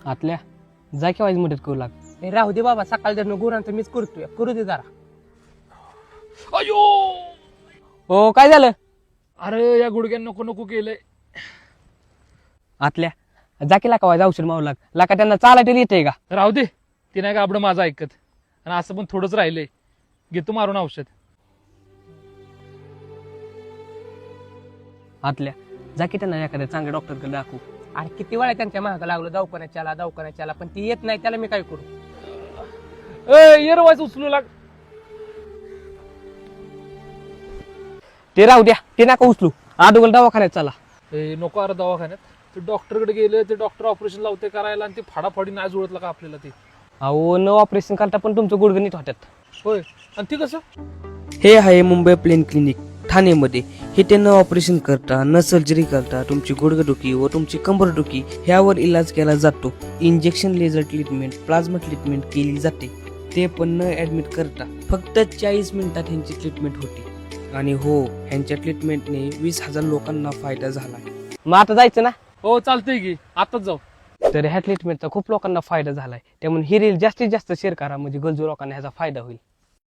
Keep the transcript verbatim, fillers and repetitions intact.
आतल्या जा की वाईज मदत करू लाग. ए, राहू दे बाबा, सकाळ जर गुरांचं मीच करतोय, करू दे जरा. अयो हो काय झालं? अरे या गुडघ्यान नको नको केलंय. आतल्या जा की लाका वाईज औषध मारू लाग. लाका त्यांना चालायला येते का? राहू दे, ती नाही का आपलं माझं ऐकत. आणि असं पण थोडंच राहिलंय, घेतो मारून औषध. आतल्या जा की त्यांना एखाद्या चांगल्या डॉक्टरकडे दाखवू. अरे किती वेळा त्यांच्या महागा लागलो, दवाखान्याच्याला दवाखान्याच्याला, पण ती येत नाही, त्याला मी काय करू? ए येरवायच उचलू लाग. ते राहू द्या, ते नका उचलू. आदोगल दवाखान्यात चला. ए नको अरे दवाखान्यात. ते डॉक्टरकडे गेले, ते डॉक्टर ऑपरेशन लावते करायला, आणि ते फाडाफाडी नाही जुळतलं का आपल्याला ते. अहो न ऑपरेशन करता पण तुमचं गुडघं नीट होत्यात. होय, आणि ते कसं? हे आहे मुंबई प्लेन क्लिनिक ठाणेमध्ये. हे ते न ऑपरेशन करता, न सर्जरी करता तुमची गुडघेदुखी व तुमची कंबरदुखी ह्यावर इलाज केला जातो. Injection, laser treatment, plasma treatment केली जाते. ते पण न ऍडमिट करता फक्त चाळीस मिनिटात ह्यांची ट्रीटमेंट होती. आणि हो, ह्यांच्या ट्रीटमेंटने वीस हजार लोकांना फायदा झाला. मग आता जायचं ना? हो चालतंय की, आताच जाऊ. तर ह्या ट्रीटमेंटचा खूप लोकांना फायदा झालाय. त्यामुळे ही रील जास्तीत जास्त शेअर करा, म्हणजे गरजू लोकांना ह्याचा फायदा होईल.